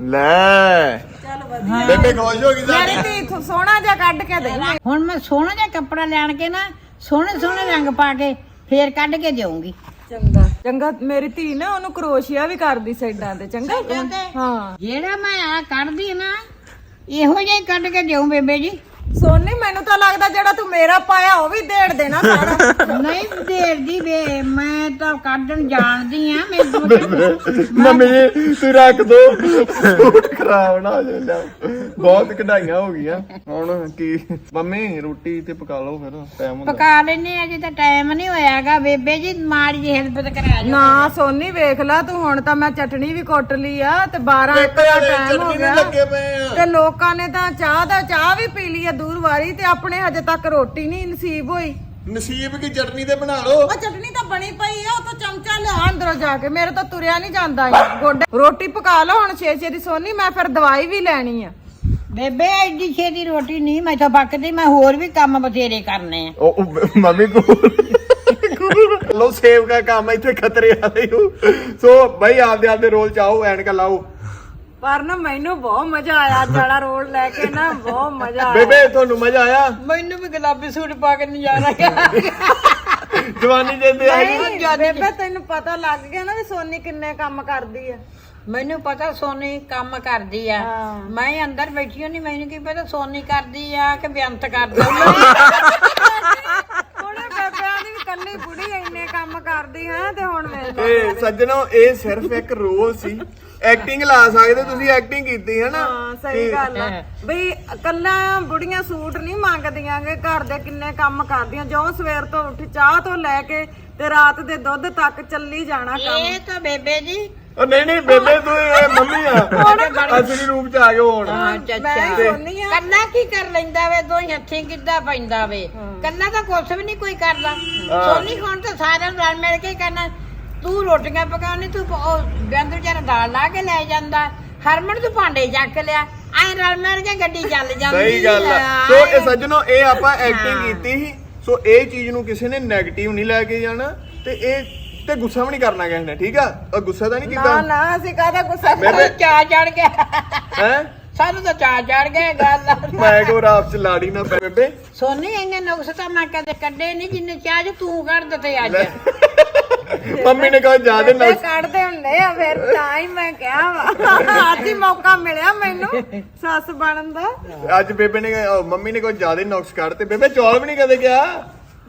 S3: ਲੈ
S1: ਚੱਲ ਵਧੀਆ,
S3: ਬੇਬੇ ਖੁਸ਼ ਹੋ ਗਈ
S1: ਮੇਰੀ
S3: ਸਾਡੀ।
S1: ਧੀ ਸੋਹਣਾ ਜਿਹਾ ਕੱਢ ਕੇ ਦੇਈ।
S2: ਹੁਣ ਮੈਂ ਸੋਹਣਾ ਜਿਹਾ ਕੱਪੜਾ ਲੈਣ ਕੇ ਨਾ ਸੋਹਣੇ ਸੋਹਣੇ ਰੰਗ ਪਾ ਕੇ ਫੇਰ ਕੱਢ ਕੇ ਦੇਵਾਂਗੀ।
S1: ਚੰਗਾ ਚੰਗਾ, ਮੇਰੀ ਧੀ ਨਾ ਉਹਨੂੰ ਕਰੋਸ਼ੀਆ ਵੀ ਕਰਦੀ ਸਾਈਡਾਂ ਤੇ। ਚੰਗਾ
S2: ਸਾਈਡਾਂ ਤੇ?
S1: ਹਾਂ
S2: ਜਿਹੜਾ ਮੈਂ ਆ ਕੱਢਦੀ ਨਾ ਇਹੋ ਜਿਹਾ ਹੀ ਕੱਢ ਕੇ ਦੇਉ ਬੇਬੇ ਜੀ।
S1: ਸੋਨੀ ਮੈਨੂੰ ਤਾਂ ਲੱਗਦਾ ਜਿਹੜਾ ਤੂੰ ਮੇਰਾ ਪਾਇਆ ਉਹ ਵੀ ਦੇੜ ਦੇਣਾ ਸਾਰਾ।
S2: ਨਹੀਂ ਦੇਰਦੀ ਵੇ, ਮੈਂ ਤਾਂ ਕੱਢਣ ਜਾਣਦੀ ਆ। ਮੈਨੂੰ
S3: ਮੰਮੀ ਜੀ ਤੂੰ ਰੱਖ ਦੋ, ਸੂਟ ਖਰਾਬ ਨਾ ਹੋ ਜਾਂਦਾ। ਬਹੁਤ ਕਢਾਈਆਂ ਹੋ ਗਈਆਂ, ਹੁਣ ਕੀ ਮੰਮੀ ਰੋਟੀ ਤੇ ਪਕਾ ਲਓ ਫਿਰ, ਟਾਈਮ ਹੁੰਦਾ।
S2: ਪਕਾ ਲੈਨੇ ਅਜੇ ਤਾਂ ਟਾਈਮ ਨਹੀਂ ਹੋਇਆਗਾ ਬੇਬੇ ਜੀ, ਮਾੜੀ ਜਿਹੀ ਹੈਲਪ ਕਰਾ ਜਾ।
S1: ਨਾ ਸੋਨੀ ਵੇਖ ਲੈ ਤੂੰ, ਹੁਣ ਤਾਂ ਮੈਂ ਚਟਣੀ ਵੀ ਕੁੱਟ ਲਈ ਆ ਤੇ ਬਾਰਾਂ ਇੱਕ ਦਾ ਟਾਈਮ ਹੋ ਗਿਆ
S3: ਲੱਗੇ ਪਏ ਆ।
S1: ਤੇ ਲੋਕਾਂ ਨੇ ਤਾਂ ਚਾਹ ਦਾ ਚਾਹ ਵੀ ਪੀ ਲਈ ਆ ਦੂਰ ਵਾਰੀ, ਤੇ ਆਪਣੇ ਹਜੇ ਤੱਕ ਰੋਟੀ ਨਹੀਂ ਨਸੀਬ ਹੋਈ।
S3: ਨਸੀਬ ਕੀ ਚਟਨੀ ਤੇ ਬਣਾ ਲਓ।
S1: ਉਹ ਚਟਨੀ ਤਾਂ ਬਣੀ ਪਈ ਆ, ਉਹ ਤਾਂ ਚਮਚਾ ਲਿਆ ਅੰਦਰੋਂ ਜਾ ਕੇ, ਮੇਰੇ ਤਾਂ ਤੁਰਿਆ ਨਹੀਂ ਜਾਂਦਾ ਈ ਗੋਡੇ। ਰੋਟੀ ਪਕਾ ਲਓ ਹੁਣ ਛੇ ਛੇ ਦੀ ਸੋਨੀ, ਮੈਂ ਫਿਰ ਦਵਾਈ ਵੀ ਲੈਣੀ ਆ।
S2: ਬੇਬੇ ਐਡੀ ਛੇਤੀ ਰੋਟੀ ਨਹੀਂ ਮੈਥੋਂ ਪੱਕਦੀ, ਮੈਂ ਹੋਰ ਵੀ ਕੰਮ ਬਥੇਰੇ ਕਰਨੇ ਆ।
S3: ਉਹ ਉਹ ਮੰਮੀ ਕੋਲ ਲੋ ਸੇਵ ਦਾ ਕੰਮ ਇੱਥੇ ਖਤਰੇ ਵਾਲੇ ਹੋ। ਸੋ ਭਾਈ ਆਪਦੇ ਆਪਦੇ ਰੋਲ ਚਾਹੋ, ਐਨਕ ਲਾਓ।
S1: ਪਰ ਨਾ ਮੈਨੂੰ ਬਹੁਤ ਮਜ਼ਾ ਆਇਆ ਅੱਜ ਵਾਲਾ ਰੋਲ ਲੈ ਕੇ ਨਾ, ਬਹੁਤ ਮਜ਼ਾ ਆਇਆ।
S3: ਬੇਬੇ ਤੁਹਾਨੂੰ ਮਜ਼ਾ ਆਇਆ?
S2: ਮੈਨੂੰ ਵੀ ਗੁਲਾਬੀ ਸੂਟ ਪਾ ਕੇ ਨਜ਼ਾਰਾ ਆ।
S3: ਜਵਾਨੀ ਜਿੰਦੇ ਆ ਗਈ।
S1: ਨਹੀਂ, ਬੇਬੇ ਤੈਨੂੰ ਪਤਾ ਲੱਗ ਗਿਆ ਨਾ ਵੀ ਸੋਨੀ ਕਿੰਨੇ ਕੰਮ ਕਰਦੀ ਆ।
S2: ਮੈਨੂੰ ਪਤਾ ਸੋਨੀ ਕੰਮ ਕਰਦੀ ਆ,
S1: ਹਾਂ।
S2: ਮੈਂ ਅੰਦਰ ਬੈਠੀ ਨਹੀਂ, ਮੈਨੂੰ ਕੀ ਪਤਾ ਸੋਨੀ ਕਰਦੀ ਆ ਕਿ ਬੇਅੰਤ ਕਰਦੀ ਆ।
S1: ਉਹਨੇ ਬੇਬਿਆਂ ਦੀ ਵੀ ਕੱਲੀ ਬੁੜੀ ਇੰਨੇ ਕੰਮ ਕਰਦੀ ਹੈ ਤੇ ਹੁਣ ਵੇਖ ਲੈ।
S3: ਏ ਸੱਜਣੋ ਇਹ ਸਿਰਫ ਇੱਕ ਰੋਲ ਸੀ, ਐਕਟਿੰਗ ਲਾ ਸਕਦੇ ਤੁਸੀਂ, ਐਕਟਿੰਗ ਕੀਤੀ ਹੈ ਨਾ।
S1: ਹਾਂ ਸਹੀ ਗੱਲ ਆ ਬਈ, ਕੱਲਾ ਬੁੜੀਆਂ ਸੂਟ ਨਹੀਂ ਮੰਗਦੀਆਂ ਗੇ, ਘਰ ਦੇ ਕਿੰਨੇ ਕੰਮ ਕਰਦੀਆਂ। ਜੋ ਸਵੇਰ ਤੋਂ ਉੱਠ ਚਾਹ ਤੋਂ ਲੈ ਕੇ ਤੇ ਰਾਤ ਦੇ ਦੁੱਧ ਤੱਕ ਚੱਲੀ ਜਾਣਾ ਕੰਮ।
S2: ਇਹ ਤਾਂ ਬੇਬੇ ਜੀ
S3: ਉਹ ਨਹੀਂ ਨਹੀਂ ਬੇਬੇ ਤੂੰ ਇਹ ਮੰਮੀ ਆ, ਅਸਲੀ ਰੂਪ ਚ ਆ ਗਏ ਹੁਣ।
S1: ਮੈਂ ਸੋਨੀ ਆ।
S2: ਕੱਲਾ ਕੀ ਕਰ ਲੈਂਦਾ ਵੇ, ਦੋ ਹੱਥੀਂ ਕਿੱਦਾਂ ਪੈਂਦਾ ਵੇ, ਕੱਲਾ ਤਾਂ ਕੁਛ ਵੀ ਨਹੀਂ ਕੋਈ ਕਰਦਾ। ਸੋਨੀ ਹੁਣ ਤਾਂ ਸਾਰਿਆਂ ਨੂੰ ਰਲ ਮਿਲ ਕੇ ਕਰਨਾ। ਤੂੰ ਰੋਟੀਆਂ ਪਕਾਉਣੀ, ਤੂੰ ਗੰਦ ਵਿਚਾਰਾ ਦਾਲ ਲਾ ਕੇ ਲੈ ਜਾਂਦਾ, ਹਰਮਨ ਤੂੰ ਭਾਂਡੇ ਚੱਕ ਲਿਆ, ਐ ਰਲ ਮਿਲ ਕੇ ਗੱਡੀ ਚੱਲ ਜਾਂਦੀ।
S3: ਸਹੀ ਗੱਲ ਆ। ਸੋ ਇਹ ਸੱਜਣੋ ਇਹ ਆਪਾਂ ਐਕਟਿੰਗ ਕੀਤੀ ਸੀ। ਸੋ ਇਹ ਚੀਜ਼ ਨੂੰ ਕਿਸੇ ਨੇ ਨੈਗੇਟਿਵ ਨਹੀਂ ਲੈ ਕੇ ਜਾਣਾ, ਤੇ ਇਹ ਤੇ ਗੁੱਸਾ ਵੀ ਨਹੀਂ ਕਰਨਾ ਕਿਸੇ ਨੇ, ਠੀਕ ਆ? ਉਹ ਗੁੱਸਾ ਤਾਂ ਨਹੀਂ
S1: ਨਾ
S3: ਕੀਤਾ?
S1: ਨਾ ਅਸੀਂ ਕਾਹਦਾ ਗੁੱਸਾ
S3: ਬੇਬੇ
S2: ਚਾਹ ਚੜ ਗਿਆ,
S3: ਹੈ
S2: ਸਾਨੂੰ ਤਾਂ ਚਾਹ ਚੜ ਗਿਆ ਗੱਲ।
S3: ਮੈਂ ਕੋ ਰਾਤ ਚ ਲਾੜੀ ਨਾ ਪੈ ਬੇਬੇ।
S2: ਸੋਨੀ ਇੰਨੇ ਨੁਕਸ ਤਾਂ ਮੈਂ ਕਦੇ ਕੱਢੇ ਨਹੀਂ ਜਿੰਨੇ ਚਾਹ ਚ ਤੂੰ ਕੱਢ ਦਿੱਤੇ ਅੱਜ।
S3: ਮੰਮੀ ਨੇ ਕਹਾ ਜਾ ਦੇ
S1: ਬੇਬੇ ਕੱਢਦੇ ਹੁੰਦੇ ਆ, ਫਿਰ ਤਾਂ ਹੀ ਮੈਂ ਕਿਹਾ ਵਾ ਅੱਜ ਹੀ ਮੌਕਾ ਮਿਲਿਆ ਮੈਨੂੰ ਸੱਸ ਬਣਨ ਦਾ।
S3: ਅੱਜ ਬੇਬੇ ਨੇ ਅਹ ਮੰਮੀ ਨੇ ਕੋਈ ਜ਼ਿਆਦਾ ਨੁਕਸ ਕੱਢ ਤੇ ਬੇਬੇ ਚੌਲ ਵੀ ਨਹੀਂ ਕਦੇ ਗਿਆ।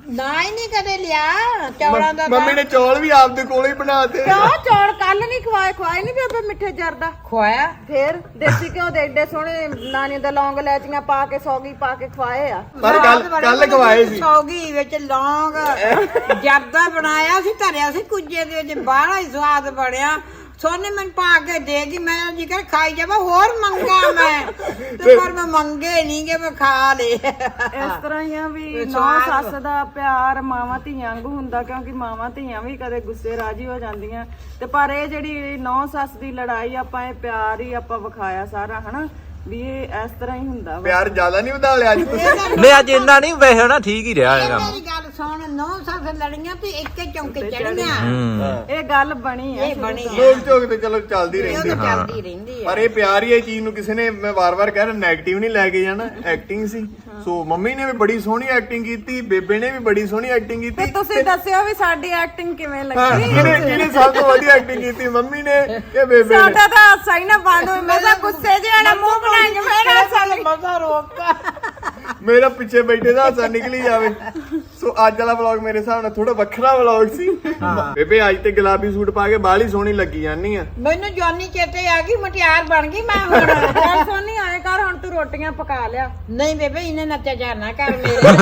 S2: ਨਾ ਹੀ ਨਹੀਂ ਕਦੇ ਲਿਆ ਚੌਲਾਂ ਦਾ
S3: ਮੰਮੀ ਨੇ ਚੌਲ ਵੀ ਆਪਦੇ ਕੋਲੇ ਹੀ ਬਣਾਤੇ
S1: ਕਿਉਂ ਚੌਲ ਕੱਲ ਨਹੀਂ ਖਵਾਏ ਖਵਾਏ ਨਹੀਂ ਬੇਬੇ ਮਿੱਠੇ ਜਰਦਾ
S2: ਖਵਾਇਆ
S1: ਫੇਰ ਦੇਸੀ ਘਿਓ ਦੇ ਏਡੇ ਸੋਹਣੇ ਨਾਨੀ ਦਾ ਲੌਂਗ ਲੈਚੀਆਂ ਪਾ ਕੇ ਸੌਗੀ ਪਾ ਕੇ ਖਵਾਏ ਆ
S3: ਪਰ ਕੱਲ ਕੱਲ ਖਵਾਏ ਸੀ
S2: ਸੌਗੀ ਵਿੱਚ ਲੌਂਗ ਜਰਦਾ ਬਣਾਇਆ ਸੀ ਧਰਿਆ ਸੀ ਕੁੱਜੇ ਦੇ ਵਿੱਚ ਬਾਹਲਾ ਹੀ ਸਵਾਦ ਬਣਿਆ ਸੋਨੇ ਮੈਨੂੰ ਪਾ ਕੇ ਦੇਗੀ ਮੈਂ ਜੀ ਕਰ ਖਾਈ ਜਾਵਾਂ ਹੋਰ ਮੰਗਾ ਮੈਂ ਤੇ ਪਰ ਮੈਂ ਮੰਗੇ ਨਹੀਂ ਕਿ ਮੈਂ ਖਾ ਲੇ
S1: ਇਸ ਤਰ੍ਹਾਂ ਹੀ ਆ ਵੀ ਨੌ ਸੱਸ ਦਾ ਪਿਆਰ ਮਾਵਾਂ ਧੀਆਂ ਵਾਂਗੂ ਹੁੰਦਾ ਕਿਉਂਕਿ ਮਾਵਾਂ ਧੀਆਂ ਵੀ ਕਦੇ ਗੁੱਸੇ ਰਾਜੀ ਹੋ ਜਾਂਦੀਆਂ ਤੇ ਪਰ ਇਹ ਜਿਹੜੀ ਨੌ ਸੱਸ ਦੀ ਲੜਾਈ ਆਪਾਂ ਇਹ ਪਿਆਰ ਹੀ ਆਪਾਂ ਵਿਖਾਇਆ ਸਾਰਾ ਹਨਾ ਵੀ ਇਹ ਇਸ ਤਰ੍ਹਾਂ ਹੀ ਹੁੰਦਾ ਵਾ
S3: ਪਿਆਰ ਜ਼ਿਆਦਾ ਨਹੀਂ ਵਧਾ ਲਿਆ ਅੱਜ ਤੁਸੀਂ
S4: ਨਹੀਂ ਅੱਜ ਇੰਨਾ ਨਹੀਂ ਵੈਸੇ ਨਾ ਠੀਕ ਹੀ ਰਿਹਾ ਇਹ ਕੰਮ
S2: ਮੇਰੀ ਗੱਲ ਸੁਣ ਨੌ ਸੱਸ ਲੜੀਆਂ ਤੇ ਇੱਕੇ ਚੌਂਕੇ ਚੜੀਆਂ
S4: ਹੂੰ
S1: ਇਹ ਗੱਲ ਬਣੀ ਆ
S2: ਇਹ ਬਣੀ ਆ
S3: ਲੋਕ ਝੋਕ ਤੇ ਚਲੋ ਚੱਲਦੀ
S2: ਇਹ
S3: ਰਹਿੰਦੀ
S2: ਤਾਂ ਚੱਲਦੀ ਰਹਿੰਦੀ ਆ
S3: ਪਰ ਇਹ ਪਿਆਰ ਹੀ ਇਹ ਚੀਜ਼ ਨੂੰ ਕਿਸੇ ਨੇ ਮੈਂ ਵਾਰ-ਵਾਰ ਕਹਿ ਰਿਹਾ ਨੈਗੇਟਿਵ ਨਹੀਂ ਲੈ ਕੇ ਜਾਣਾ ਐਕਟਿੰਗ ਸੀ ਸੋ ਮੰਮੀ ਨੇ ਵੀ ਬੜੀ ਸੋਹਣੀ ਐਕਟਿੰਗ ਕੀਤੀ ਬੇਬੇ ਨੇ ਵੀ ਬੜੀ ਸੋਹਣੀ ਐਕਟਿੰਗ
S1: ਤੇ
S3: ਕੀਤੀ
S1: ਤੁਸੀਂ ਦੱਸਿਓ ਵੀ ਸਾਡੀ ਐਕਟਿੰਗ ਕਿਵੇਂ
S3: ਹਾਂ,
S1: ਲੱਗੀ
S3: ਕਿਹਨੇ ਕਿਹਨੇ ਸਭ ਤੋਂ ਵਧੀਆ ਐਕਟਿੰਗ ਕੀਤੀ ਮੰਮੀ ਨੇ ਕਿ ਬੇਬੇ ਨੇ
S1: ਸਾਡਾ ਤਾਂ ਹਾਸਾ ਹੀ ਨਾ ਬੰਦ ਹੋਈ ਮੈਂ ਤਾਂ ਗੁੱਸੇ ਜਿਹਾ ਨਾ ਮੂੰਹ ਬਣਾਈ ਮੇਰਾ ਹਾਸਾ ਲੱਗੀ
S2: ਮਜ਼ਾ ਰੋਕਾ
S3: ਮੇਰਾ ਪਿੱਛੇ ਬੈਠੇ ਦਾ ਹਾਸਾ ਨਿਕਲੀ ਜਾਵੇ ਸੋ ਅੱਜ ਵਾਲਾ ਵਲੌਗ ਮੇਰੇ ਹਿਸਾਬ ਨਾਲ ਥੋੜਾ ਵੱਖਰਾ ਵਲੌਗ ਸੀ ਬੇਬੇ ਅੱਜ ਤੇ ਗੁਲਾਬੀ ਸੂਟ ਪਾ ਕੇ ਬਾਹਲੀ ਸੋਹਣੀ ਲੱਗੀ ਜਾਂਦੀ ਆ
S2: ਮੈਨੂੰ ਜਵਾਨੀ ਚੇਤੇ ਆ ਗਈ ਮਟਿਆਰ ਬਣ ਗਈ ਮੈਂ ਹੁਣ
S1: ਚੱਲ ਸੋਨੀ ਆਏ ਕਰ ਹੁਣ ਤੂੰ ਰੋਟੀਆਂ ਪਕਾ ਲਿਆ
S2: ਨਹੀਂ ਬੇਬੇ ਇਹਨੇ ਨੱਚਿਆ ਜਾਣਾ ਕਰ ਮੇਰੇ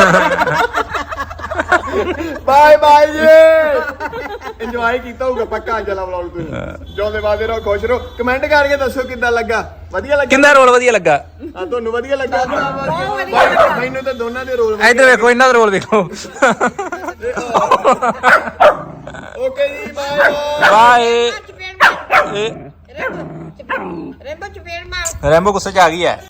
S3: ਬਾਏ ਬਾਏ ਜੀ ਇੰਜੋਏ ਕੀਤਾ ਹੋਊਗਾ ਪੱਕਾ ਅੱਜ ਵਾਲਾ ਵਲੌਗ ਤੁਸੀਂ ਜਿਉਂਦੇ ਵਾਦੇ ਰਹੋ ਖੁਸ਼ ਰਹੋ ਕਮੈਂਟ ਕਰਕੇ ਦੱਸੋ ਕਿੱਦਾਂ ਲੱਗਾ ਵਧੀਆ ਲੱਗਾ
S4: ਕਿੰਦਾ ਰੋਲ ਵਧੀਆ ਲੱਗਾ
S3: ਆ ਤੁਹਾਨੂੰ ਵਧੀਆ ਲੱਗਾ ਬਾਈ, ਮੈਨੂੰ ਤਾਂ ਦੋਨਾਂ ਦੇ ਰੋਲ
S4: ਇੱਧਰ ਵੇਖੋ ਇਹਨਾਂ ਦਾ ਰੋਲ ਵੇਖੋ
S3: ਓਕੇ ਜੀ ਬਾਏ
S4: ਬਾਏ
S2: ਚਪੇੜ ਮਾਰ
S4: ਇਹ
S2: ਰੇਬੋ ਚਪੇੜ ਮਾਰ
S4: ਰੈਂਬੋ ਗੁੱਸੇ ਚ ਆ ਗਈ ਹੈ